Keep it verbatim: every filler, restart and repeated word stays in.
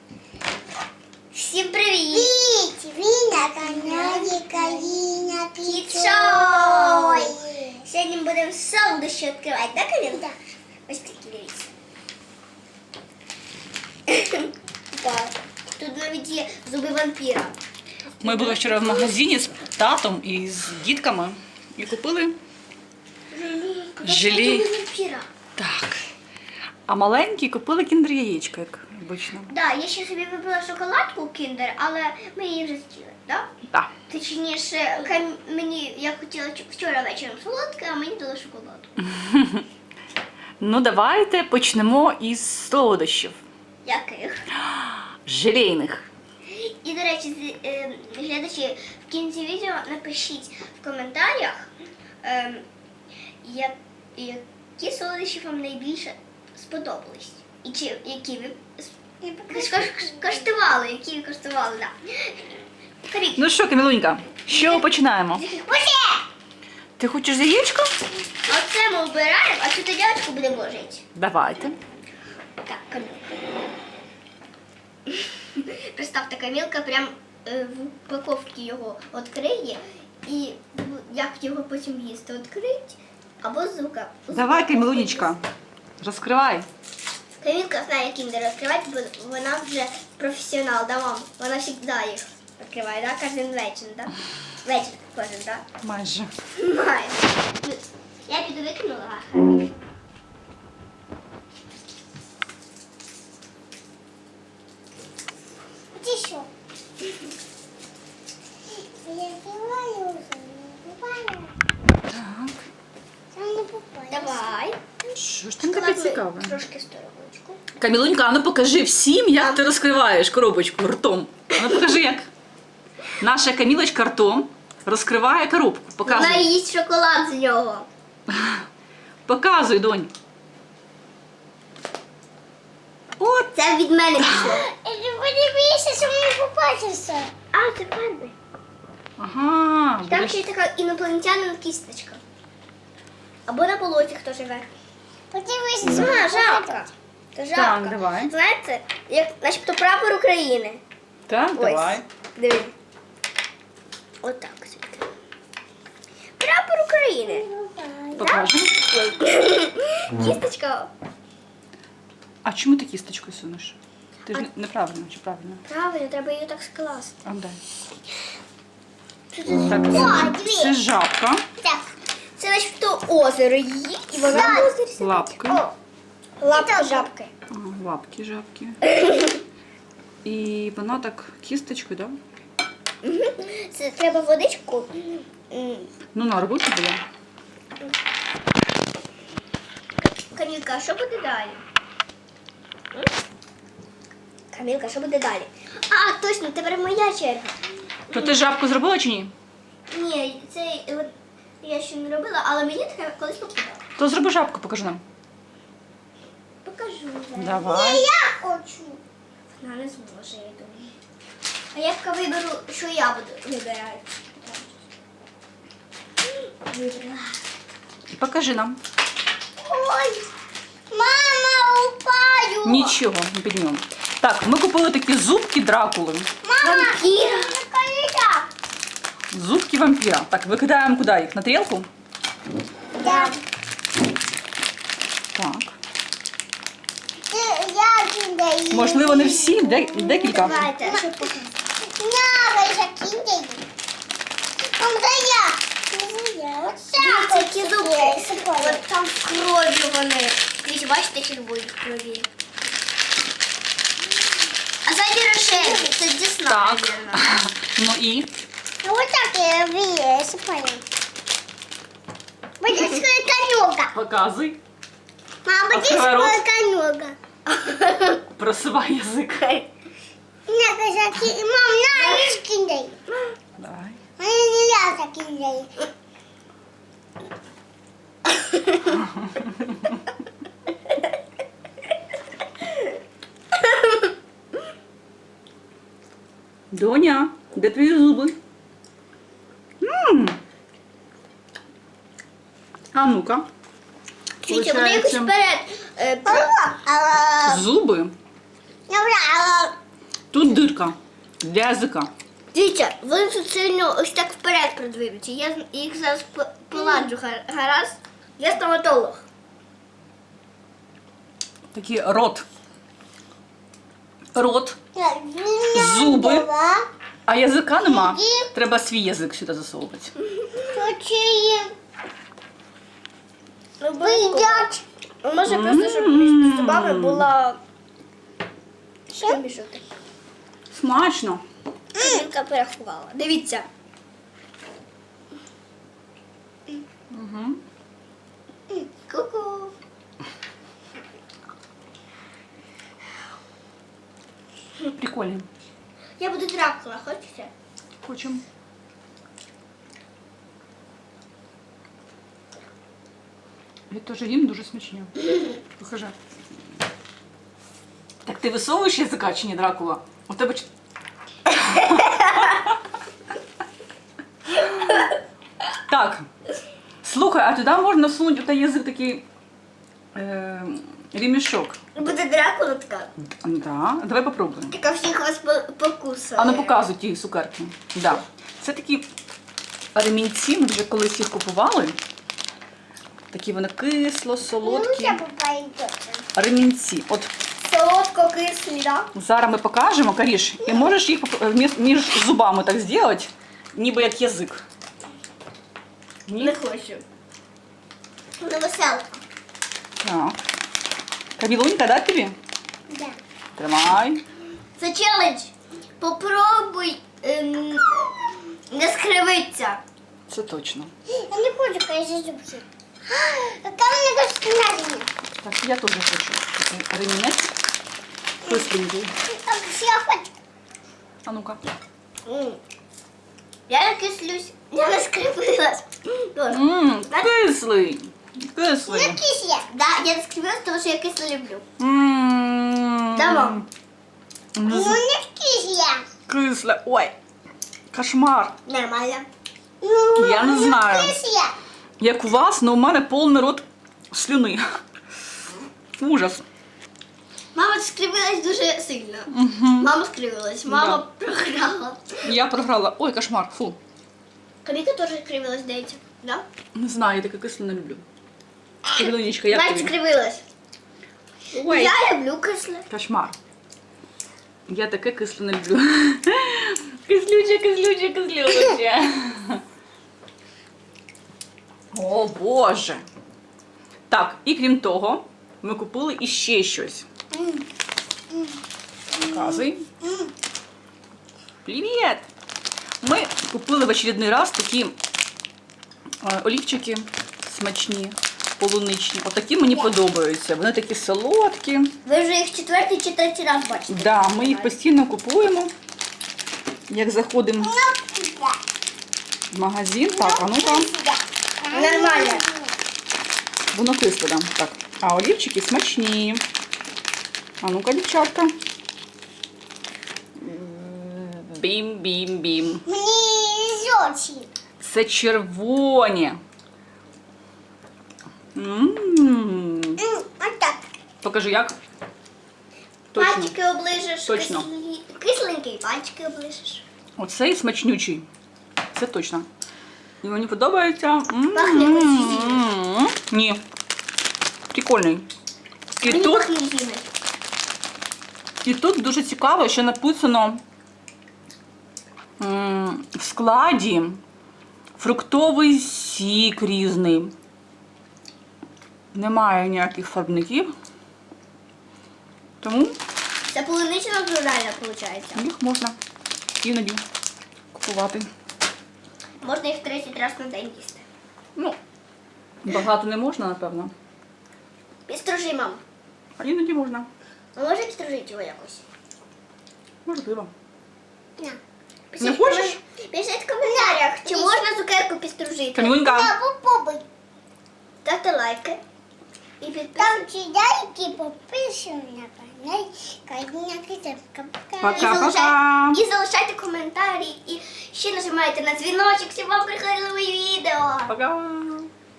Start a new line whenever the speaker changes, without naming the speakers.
Всім привіт!
Привіт! Ви на каналі Каріна Піцой.
Сьогодні будемо солодощі відкривати, так, Каріна?
Так.
Ось такі, дивіться. Так. Тут навіть є зуби вампіра.
Ми були вчора в магазині з татом і з дітками і купили желе.
Зуби вампіра.
Так. А маленькі купили кіндер-яєчко, як обично.
Так, я ще собі вибрала шоколадку кіндер, але ми її вже з'їли, так?
Так.
Точніше, кам- мені я хотіла ч- вчора вечором солодке, а мені дали шоколадку.
Ну, давайте почнемо із солодощів.
Яких?
Желейних.
І, до речі, з- е, глядачі, в кінці відео напишіть в коментарях, е, я- які солодощі вам найбільше сподобались. І чи які ви с- кош- коштували, які ви коштували, так. Каріть.
Ну що, Камілунька, що починаємо?
Оце!
Ти хочеш яєчко?
Оце ми обираємо, а цю тарілочку будемо ложити.
Давайте.
Так, Камілка. Представте, Камілка прям е, в упаковці його відкриє і в- як його потім їсти відкрить або з звука.
Давай, Камілунечка, розкривай.
Камілка знає, як кіндер розкривати, бо вона вже професіонал, да, мам? Вона завжди їх відкриває, да? Кожен вечір, да? Вечір кожен, да?
Майже.
Має. Я піду викинула. Ага.
Ти що? Я відкриваю вже, не попала.
Так.
Там не попала.
Давай.
Що ж там таке
Кладу
цікаве?
Трошки стороночку.
Камілунька, а ну покажи всім, як ти розкриваєш коробочку ртом. А ну покажи як. Наша Камілочка ртом розкриває коробку.
Вона
Показуй.
їсть шоколад з нього.
Показуй, донь. От.
Це від мене пішло.
Подивися, що мені попадеться.
А, це фарби.
Ага.
Там
будеш-
ще є така інопланетянина кісточка. Або на болоті хто живе.
Подивися,
А, жабка. Це жабка.
Так, давай.
Знаєте, як начебто прапор України.
Так,
Ось.
давай.
Диви. Отак. звідки. Прапор України.
Покажемо.
Кісточка.
А чому ти кісточкою сунеш? Ти ж не- неправильно чи правильно?
Правильно, треба її так скласти.
А, дай.
Що
Так,
це?
це, це жабка.
Так. Це начебто озеро її, і вона в озері сидить.
Лапки.
О, лапка жабки.
Ага, лапки жабки. І вона так кісточкою, так? Да?
Це треба водичку. М,
Ну, на роботі була.
Камілка, а що буде далі? М? Камілка, що буде далі? А, точно, тепер моя черга.
То ти жабку зробила чи ні?
Ні, це е, я ще не робила, але мені таке колись попадало.
То зроби жабку, покажи нам.
Покажу. зараз.
Давай.
Я хочу.
Вона не зможе, я думаю. А я поки виберу, що я буду вибирати. Вибрала.
Покажи нам.
Ой, мама, упаю.
Нічого, не піднімемо. Так, ми купили такі зубки Дракули.
Вампіра.
Коліда.
Зубки вампіра. Так, викидаємо куди їх? На тарілку?
Так.
Так.
Ти- Я кидаю.
Можливо, не всі, де- декілька.
Давайте, а що показати?
Я закидаю. Там за я. Це я. Оце.
Дивіться, які зубки.
Сипаю.
От там в крові вони. Дивіться, бачите, червоні в крові. А ззаді рожеві. Це дісна,
Так.
мабуть.
Ну і?
А вот так я высыпаю. Будет свой конюга.
Показуй.
Мама, будет
Открывай рот.
свой конюга.
Просувай язик.
На, казаки. Мам, на, не скиндай.
Давай.
А я не я закидаю.
Доня, де твої зуби? М. А ну-ка.
Дивіться, вони якось
Получається,
вперед. е, про-
А,
зуби
Добре,
Тут дирка для язика.
Дивіться, вони тут сильно ось так вперед продвинуті. Я з- їх зараз по- поладжу гар- гаразд. Я стоматолог.
Такий рот. Рот, зуби, а язика нема. Треба свій язик сюди засовувати.
Вийдять.
Може просто, щоб між зубами була проміжуток.
Смачно.
Камінка переховала. Дивіться.
Угу.
Ку-ку.
Прикольно.
Я буду Дракула, хочете?
Хочемо. Я теж їм дуже смачні. Покажи. Так ти висовуєш язика чи ні, Дракула? У тебе ч- Так. Слухай, а туди можна всунути той язик такий е, ремішок.
Буде Дракула така.
Да, давай попробуємо.
Яка всіх вас по- покусає.
А ну показуй ті цукерки. Да. Це такі ремінці, ми вже колись їх купували. Такі вони кисло, солодкі. Ремінці. От
Солодко-кислі, да?
зараз ми покажемо, Каріш, і можеш їх поп- між, між зубами так зробити, ніби як язик. Ні?
Не хочу. На веселку.
Так. Камілунька, дати тобі?
Да.
Тримай.
Це челендж. Попробуй ем, не скривитися.
Це точно.
Я не хочу, конечно, зубки. Какая у меня костюмерия.
Так, я теж хочу. Такий ремінець. Кисленький.
Так, я хочу.
А ну-ка.
М. Я не кислюсь. Я не скривилась. Тоже.
Ммм, кислий.
Я
Кислий.
кисля.
Да, я не скривилась, тому що я кисло люблю.
Ммм.
Да, мам?
Ну,
Ну, не кисля.
кисле. Ой. Кошмар.
Нормально.
Ну,
Я не знаю.
кисля.
Як у вас, але у мене повний рот слюни. Ужас.
Мама скривилась дуже сильно. Мама скривилась, мама програла.
Я програла. Ой, кошмар. Фу.
Каміка теж скривилась, здається. Да?
Не знаю, я таке кисле не люблю. Камілунечка, як
Навіть
тобі?
скривилась.
Ой.
Я люблю кисле.
Кошмар. Я таке кисле не люблю. Кислюче, кислюче, кислюче. О, Боже. Так, і крім того, ми купили іще щось. Показуй. Привіт! Ми купили в очередний раз такі е, олівчики смачні, полуничні. Отакі мені подобаються. Вони такі солодкі.
Ви вже їх четвертий чи третій раз бачите.
Да, ми їх постійно купуємо. Як заходимо в магазин. Так, а ну-ка.
Нормально.
Воно кисле, да. Так. А олівчики смачні. А ну-ка, дівчатка. Бім-бім-бім.
Мне зёчи.
Це червоні. М.
Вот так.
Покажи, як. Точно.
Пальчики оближеш.
Точно.
кислі- Кисленький, пальчики оближеш.
Оцей смачнючий. Це точно. І мені подобається. М.
Пахне апельсином.
М. Ні. Прикольний. І
Мені
тут,
пахне зім'я.
і тут дуже цікаво, що написано м, в складі фруктовий сік різний. Немає ніяких фарбників. Тому
Це полунична натуральна, виходить.
їх можна іноді купувати.
Можна їх тридцять разів на день їсти.
Ну, багато не можна, напевно.
Підстружи, мам.
А іноді можна.
А може підстружити його якось?
Можливо.
На.
Не хочеш?
Пишіть в коментарях, чи можна цукерку підстружити.
Камілунька.
Да, попробуй.
Ставте лайки. І підписуйтесь.
Там чайки подписывай на канал. Конечно,
Пока.
І залишайте, і залишайте коментарі. І ще нажимайте на дзвіночок, щоб вам приходили мої відео.
Пока.